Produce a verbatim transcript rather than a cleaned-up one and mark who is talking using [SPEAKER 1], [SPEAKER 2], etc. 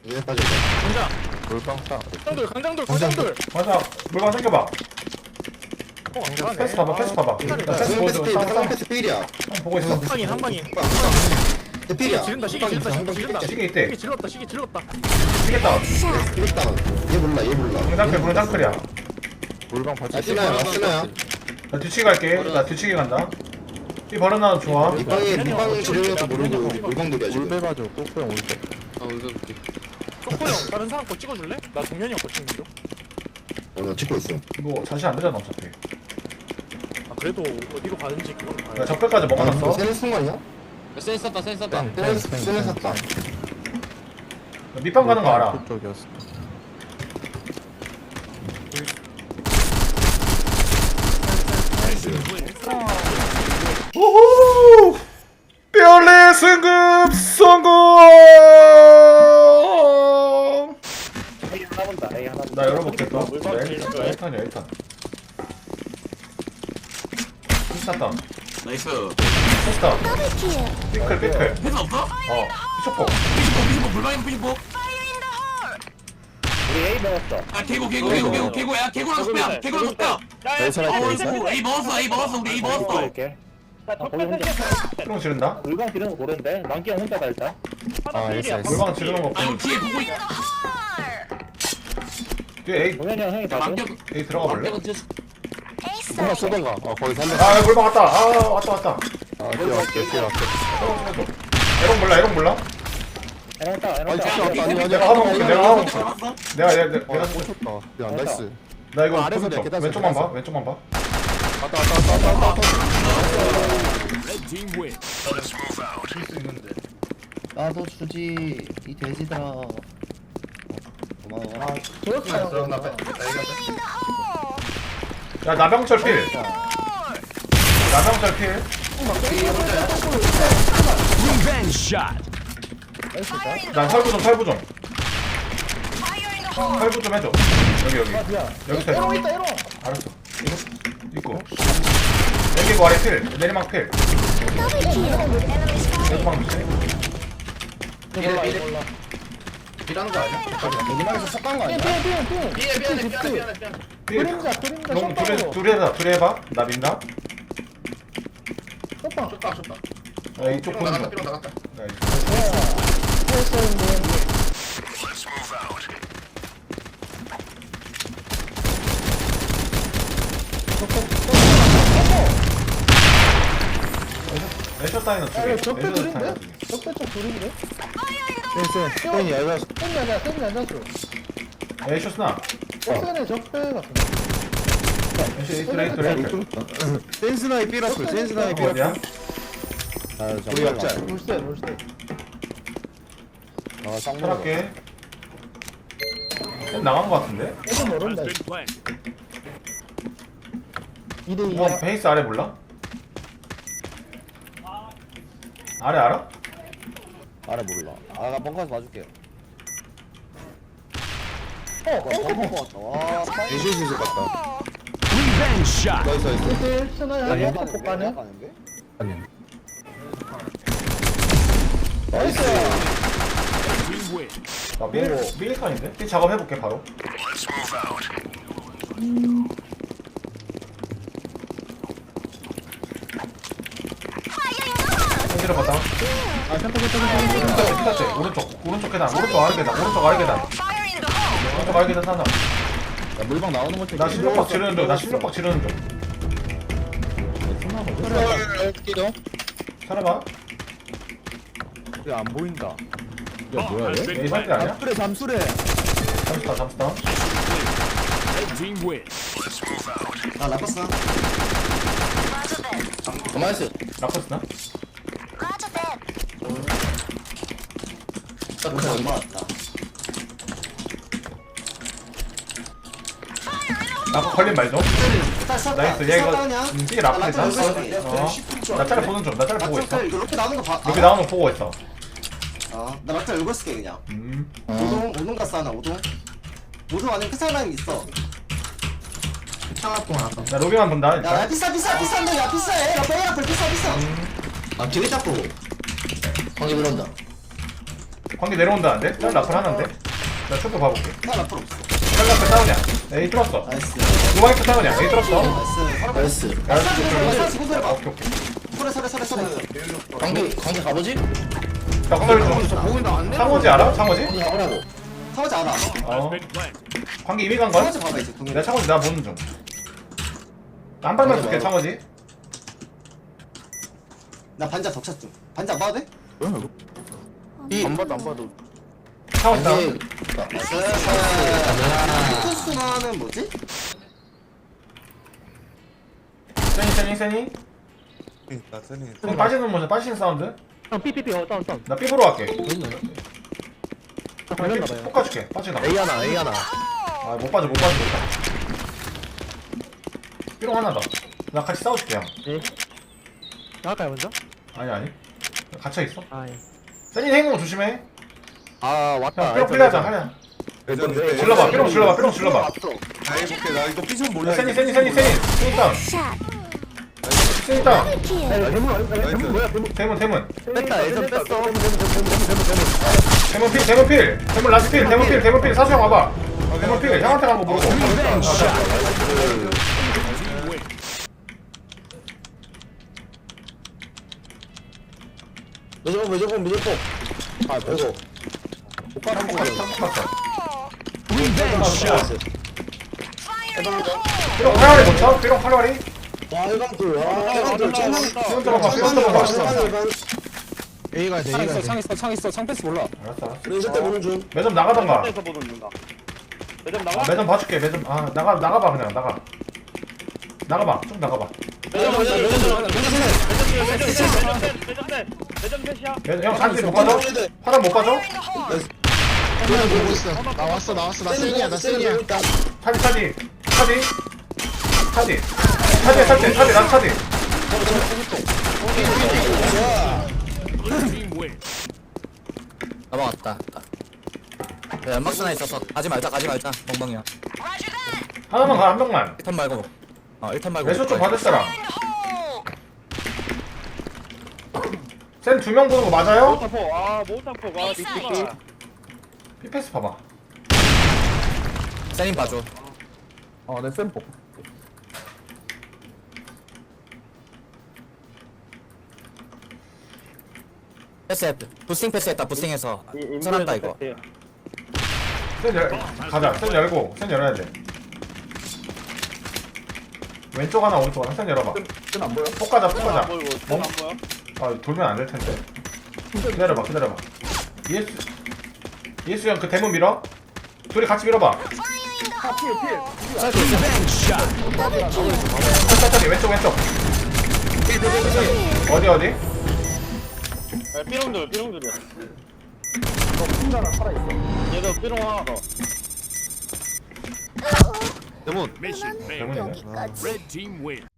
[SPEAKER 1] 얘 빠졌다.
[SPEAKER 2] 강장
[SPEAKER 3] 물방 싸.
[SPEAKER 2] 강장돌 강장돌 강장돌
[SPEAKER 4] 맞아. 물방 생겨봐.
[SPEAKER 2] 어 안가네
[SPEAKER 4] 패스 봐봐. 패스 봐봐.
[SPEAKER 2] 아,
[SPEAKER 4] 나 패스
[SPEAKER 1] 수면 패스
[SPEAKER 4] 보여줘.
[SPEAKER 1] 필,
[SPEAKER 4] 상,
[SPEAKER 1] 수면
[SPEAKER 4] 상.
[SPEAKER 1] 패스 필이야.
[SPEAKER 4] 상 보고 있어.
[SPEAKER 2] 한 방인 한 방인
[SPEAKER 1] 대 필이야.
[SPEAKER 2] 지른다 시계 지른다 시계 지른다
[SPEAKER 4] 시계 있대.
[SPEAKER 2] 시계 질렀다 시계 질렀다
[SPEAKER 4] 시겠다.
[SPEAKER 1] 이겼다. 얘 몰라, 얘 몰라.
[SPEAKER 4] 공장클 공장클이야.
[SPEAKER 3] 물방 발전.
[SPEAKER 1] 아, 쓰나야, 아, 쓰나야.
[SPEAKER 4] 나 뒤치기 갈게. 나 뒤치기 간다. 이 버릇나도 좋아.
[SPEAKER 1] 밑방에, 밑방 지르면서 모르고 물방돌이야, 지금.
[SPEAKER 3] 울배 봐줘. 꼬꼬형 울배.
[SPEAKER 5] 아 울베볼게.
[SPEAKER 2] 쪼코 형 다른 사람 거 찍어줄래? 나 동현이 형 거 찍는 중.
[SPEAKER 1] 어, 나 찍고 있어.
[SPEAKER 4] 이거 자시 안 되잖아 어차피.
[SPEAKER 2] 아 그래도 어디로 가는지 그걸
[SPEAKER 4] 나
[SPEAKER 2] 봐야
[SPEAKER 4] 적배까지
[SPEAKER 1] 아,
[SPEAKER 4] 먹어놨어.
[SPEAKER 1] 세는 순간이야?
[SPEAKER 5] 센 썼다 센 썼다.
[SPEAKER 1] 세는, 세는 샀다.
[SPEAKER 4] 밑방 가는 거 알아.
[SPEAKER 3] 그쪽이었어.
[SPEAKER 4] 우후! 뼈레 승급 성공!
[SPEAKER 2] A 하나 본다 A 하나 본다
[SPEAKER 4] 나 열어볼게 또.
[SPEAKER 2] 물방
[SPEAKER 4] 나
[SPEAKER 2] 제일
[SPEAKER 4] 일
[SPEAKER 2] 좋아해.
[SPEAKER 4] 탄이야 일 탄. 스타다.
[SPEAKER 6] 나이스.
[SPEAKER 4] 스타. 삐클 삐클.
[SPEAKER 6] 패스 없어?
[SPEAKER 4] 어. 피쇼포.
[SPEAKER 6] 피시포 피시포 불방인 피시포.
[SPEAKER 2] 우리 A 먹었어
[SPEAKER 6] 아 개고 개고 개고 개고 개고야 개고랑 스페야 개고랑 스페야.
[SPEAKER 3] 나이스라
[SPEAKER 6] 어
[SPEAKER 3] 있어.
[SPEAKER 6] 이거 A 먹었어 A 먹었어 우리 A 먹었어.
[SPEAKER 2] 이렇게 나 거기 혼자
[SPEAKER 4] 피롱 지른다.
[SPEAKER 2] 물방 지르는 거 고른데 만기 형 혼자다 일단
[SPEAKER 3] 아, 알겠어, 알겠어.
[SPEAKER 4] 물방 지르는 거.
[SPEAKER 6] 아 이거 뒤에 보고 있.
[SPEAKER 4] 뒤에 A
[SPEAKER 2] 동현이 형 형이 봐줘
[SPEAKER 6] 망격
[SPEAKER 4] A 들어가 볼래?
[SPEAKER 6] 망격은 뒤에서.
[SPEAKER 3] 하나 쏘던가. 어 거기 살려.
[SPEAKER 4] 아 물방 왔다. 아 왔다 왔다.
[SPEAKER 3] 아 뛰어갈게 뛰어갈게.
[SPEAKER 4] 에롱 몰라 에롱 몰라?
[SPEAKER 2] 에롱 따 에롱
[SPEAKER 3] 아니
[SPEAKER 2] 따
[SPEAKER 3] 진짜 아니 아니.
[SPEAKER 4] 내가 하나 먹을게, 내가 하나 먹을게.
[SPEAKER 6] 잡았어?
[SPEAKER 4] 내가 내가 내가
[SPEAKER 3] 어
[SPEAKER 4] 내가
[SPEAKER 3] 오셨다. 야 나이스.
[SPEAKER 4] 나 이거
[SPEAKER 3] 아, 아래서
[SPEAKER 4] 왼쪽
[SPEAKER 3] 내가 계단
[SPEAKER 4] 왼쪽만 봐
[SPEAKER 3] 계단
[SPEAKER 4] 왼쪽만 봐.
[SPEAKER 3] 왔다 왔다 왔다 왔다 왔다.
[SPEAKER 1] 나도 주지, 이 돼지들아. 고마워.
[SPEAKER 4] 야 나병철 필. 나병철 필. 난 살부 좀 살부 좀. 살부 좀 해줘. 여기 여기. 여기 서
[SPEAKER 2] 에롱 있다 에롱
[SPEAKER 4] 알았어. 이거 있고. 내리고 아래 필. 내리막 필. 내리막 필.
[SPEAKER 2] 몰라 몰라
[SPEAKER 1] 일하는 거 아니야? 여기만에서 섞은 거 아니야?
[SPEAKER 2] 삐삐삐삐
[SPEAKER 6] 미안해 미안해 미안해 미안해 미안해.
[SPEAKER 4] 필.
[SPEAKER 2] 그림자 그림자
[SPEAKER 4] 너 둘이
[SPEAKER 2] 샷방으로
[SPEAKER 4] 둘이 해봐. 둘이 해봐. 나 민다.
[SPEAKER 2] 샷방
[SPEAKER 6] 좋다 좋다.
[SPEAKER 4] 야, 이쪽
[SPEAKER 6] 삐롱
[SPEAKER 4] 보는
[SPEAKER 6] 나갔다
[SPEAKER 4] 거.
[SPEAKER 6] 삐롱 나갔다.
[SPEAKER 4] 야, 이쪽. 레셔 따위는 두 개.
[SPEAKER 2] 아, 적배
[SPEAKER 4] 레셔
[SPEAKER 2] 둘인데?
[SPEAKER 4] 따위는 두 개.
[SPEAKER 2] 적배 쪽 둘인데?
[SPEAKER 3] 센스. 센이 얇아.
[SPEAKER 2] 땡이 아니야 땡이 아니었어
[SPEAKER 4] 레셔 스나.
[SPEAKER 2] 적배네 적배 같은데
[SPEAKER 4] 레셔 에이트 에이트 에이트.
[SPEAKER 3] 센스나이 삐라풀. 센스나이
[SPEAKER 4] 어디야?
[SPEAKER 3] 삐라풀. 아 우리 역자.
[SPEAKER 2] 롤세 롤세
[SPEAKER 3] 아 쌍문.
[SPEAKER 4] 철학계. 쌤 나간 거 같은데?
[SPEAKER 2] 이거 모른다 이대
[SPEAKER 4] 뭐
[SPEAKER 2] 이야
[SPEAKER 4] 베이스 아래 몰라? 아래 알아?
[SPEAKER 3] 알아 몰라. 아나 뻥가서 봐줄게.
[SPEAKER 2] 어
[SPEAKER 3] 와 방금 왔다. 와 에이시스 같다. 나이스 나이스.
[SPEAKER 2] 이대 스나야
[SPEAKER 3] 아니,
[SPEAKER 2] 한번 볼까네
[SPEAKER 3] 아니.
[SPEAKER 2] 나이스
[SPEAKER 4] 나 밀, 밀칸인데? 이 작업해볼게 바로. 손질해 봤다.
[SPEAKER 2] 아 샷방 샷방 샷방
[SPEAKER 4] 피타치, 오른쪽, 오른쪽 계단, 오른쪽 아래 계단, 오른쪽 아래 계단. 오른쪽 아래 계단 하나.
[SPEAKER 3] 야 물방 나오는 거
[SPEAKER 4] 나 십육 박 지르는 중, 나 십육 박 지르는 중.
[SPEAKER 3] 뛰어.
[SPEAKER 4] 살아봐.
[SPEAKER 3] 야안 보인다. 야 뭐야 얘?
[SPEAKER 4] 얘 상태 아니야?
[SPEAKER 3] 잠수래 잠수래.
[SPEAKER 4] 잠시다, 잠시다.
[SPEAKER 1] 아, 나빴어. 가만히 있어.
[SPEAKER 4] 라커스나?
[SPEAKER 1] 딱 얼마 왔다.
[SPEAKER 4] 라커 걸린 말 좀. 나이스, 얘 이거 음, 삐 라커이다. 어. 나 짤 보는 중, 나 짤 보고 있어.
[SPEAKER 1] 이거 이렇게 나오는 거 봐.
[SPEAKER 4] 여기 나오는 거 보고 있어.
[SPEAKER 1] 아, 나 막타 열고 쓸게 그냥.
[SPEAKER 4] 음.
[SPEAKER 1] 오동, 오동 갔어 하나, 오동. 오동 안에 크살 라인 있어. 창합동 하나.
[SPEAKER 4] 나 로비만 본다,
[SPEAKER 1] 야, 야,
[SPEAKER 4] 일단.
[SPEAKER 1] 비싸, 비싸, 비싼데, 야, 비싸해. 야, 빼야 앞을 비싸, 비싸. 아, 뒤에 잡고. 거기 들어온다.
[SPEAKER 4] 관계 내려온다는데? 짤 라플 하나인데? 나 초크 봐볼게.
[SPEAKER 1] 살 앞으로 없어.
[SPEAKER 4] 짤 라플 싸우냐? 에이 뚫었어.
[SPEAKER 1] 나이스.
[SPEAKER 4] 누바이프 싸우냐? 에이 뚫었어.
[SPEAKER 1] 나이스. 나이스.
[SPEAKER 4] 야,
[SPEAKER 1] 살 지금 살
[SPEAKER 4] 아,
[SPEAKER 1] 봐.
[SPEAKER 4] 오케이 오케이.
[SPEAKER 1] 설에 설에 설에 설에.
[SPEAKER 3] 관계 관계 가보지?
[SPEAKER 4] 자, 건설 좀.
[SPEAKER 3] 보인다 안 내?
[SPEAKER 4] 상호지 알아? 상호지?
[SPEAKER 3] 관계 가보라고.
[SPEAKER 1] 사오지 않아.
[SPEAKER 4] 어. 관계 이미 간 거야?
[SPEAKER 1] 사오지 봐봐 이제.
[SPEAKER 4] 내가 창호지 나 보는 중. 나 한 발만 쏠게 창호지.
[SPEAKER 1] 나 반자 덕샷 중. 반자 안 봐도 돼?
[SPEAKER 3] 안 봐도 안 봐도.
[SPEAKER 4] 창호지
[SPEAKER 3] 관계
[SPEAKER 4] 다운.
[SPEAKER 1] 투수나는 뭐지?
[SPEAKER 4] 세니 세니 세니.
[SPEAKER 7] 나 세니
[SPEAKER 4] 세니 빠지는 모션 빠지는 사운드.
[SPEAKER 2] 형 삐삐삐 어 다운 다운
[SPEAKER 4] 나 삐부로 갈게.
[SPEAKER 2] 걸렸나봐요
[SPEAKER 4] 폭 가줄게. 빠지나.
[SPEAKER 3] A 하나 A 하나.
[SPEAKER 4] 아 못 빠져 못 빠져 못 빠져. 삐롱 하나 더. 나 같이 싸워줄게 형.
[SPEAKER 2] 나갈까요 먼저?
[SPEAKER 4] 아니 아니. 갇혀 있어.
[SPEAKER 2] 아예
[SPEAKER 4] 세니 행동 조심해.
[SPEAKER 3] 아 왔다.
[SPEAKER 4] 형 삐롱 필요하자 하냐.
[SPEAKER 7] 예전에
[SPEAKER 4] 질러봐 삐롱 질러봐 삐롱 질러봐.
[SPEAKER 7] 나 해볼게 나 이거 삐좀 몰라
[SPEAKER 4] 야, 세니 세니 세니 세니 세니 다운. 세니 다운.
[SPEAKER 2] 대문 뭐야 대문
[SPEAKER 4] 대문 대문.
[SPEAKER 3] 뺐다 예전 뺐어.
[SPEAKER 4] 대문 필 대문 필. 대문 라스 필 대문 필 대문 필 사수 형 와봐. 대문 필 형한테 한번 물어보.
[SPEAKER 3] 무조건 무조건 무조건. 아 보고. 오빠 한번 가자.
[SPEAKER 4] 삐롱 활활이 못 쳐? 삐롱 활활이?
[SPEAKER 3] 와 일반돌. 와 일반돌 정말.
[SPEAKER 4] 삐롱 들어봐 삐롱 들어봐.
[SPEAKER 3] A가 돼
[SPEAKER 2] 창
[SPEAKER 3] A가
[SPEAKER 2] 있어
[SPEAKER 3] 돼.
[SPEAKER 2] 창 있어 창 있어 창 패스 몰라
[SPEAKER 4] 알았어 알았어.
[SPEAKER 3] 우리 이때 보는 중.
[SPEAKER 4] 매점 나가던가.
[SPEAKER 2] 에서 보는 중다 매점
[SPEAKER 4] 아,
[SPEAKER 2] 나가?
[SPEAKER 4] 매점 봐줄게 매점. 아 나가 나가봐 그냥 나가. 나가봐 좀 나가봐.
[SPEAKER 2] 매점 매점 매점 매점 매점 매점 매점 셋이야
[SPEAKER 4] 매점 형 산지 못 가져? 화장 못 가져?
[SPEAKER 3] 그냥 보고 있어. 나 왔어 나 왔어 나 세니야 나 세니야.
[SPEAKER 4] 차디 차디 차디 차디 차디 차디 차디 난 차디.
[SPEAKER 8] 넘어갔다. 야, 연막스나 있어서 가지 말자, 가지 말자. 멍멍이야.
[SPEAKER 4] 하나만 가 한 명만.
[SPEAKER 8] 일 턴 말고. 어, 일 턴 말고.
[SPEAKER 4] 매수 좀 받을 사람. 센 두 명 보는 거 맞아요?
[SPEAKER 2] 모타포 아 모타포 와 미치겠다
[SPEAKER 4] 피패스 봐봐.
[SPEAKER 8] 세님 봐줘.
[SPEAKER 3] 어내 샘포.
[SPEAKER 8] 패스했다. 부스팅 패스했다, 부스팅해서. 선한다, 이거.
[SPEAKER 4] 센 열, 가자. 센 열고 센 열어야 돼. 왼쪽 하나 오른쪽 하나 센 열어봐.
[SPEAKER 3] 안 보여?
[SPEAKER 4] 폭 가자 폭 가자.
[SPEAKER 2] 보이고
[SPEAKER 4] 뭐?
[SPEAKER 2] 안 보여?
[SPEAKER 4] 아 돌면 안 될 텐데. 기다려봐 기다려봐. 예수 예수 형 그 대문 밀어. 둘이 같이 밀어봐. 천천히 왼쪽 왼쪽. 어디 어디?
[SPEAKER 2] 삐롱들 삐롱들이야 얘도 삐롱 하나 더
[SPEAKER 7] 대문
[SPEAKER 4] 대문이네.
[SPEAKER 9] 여기까지.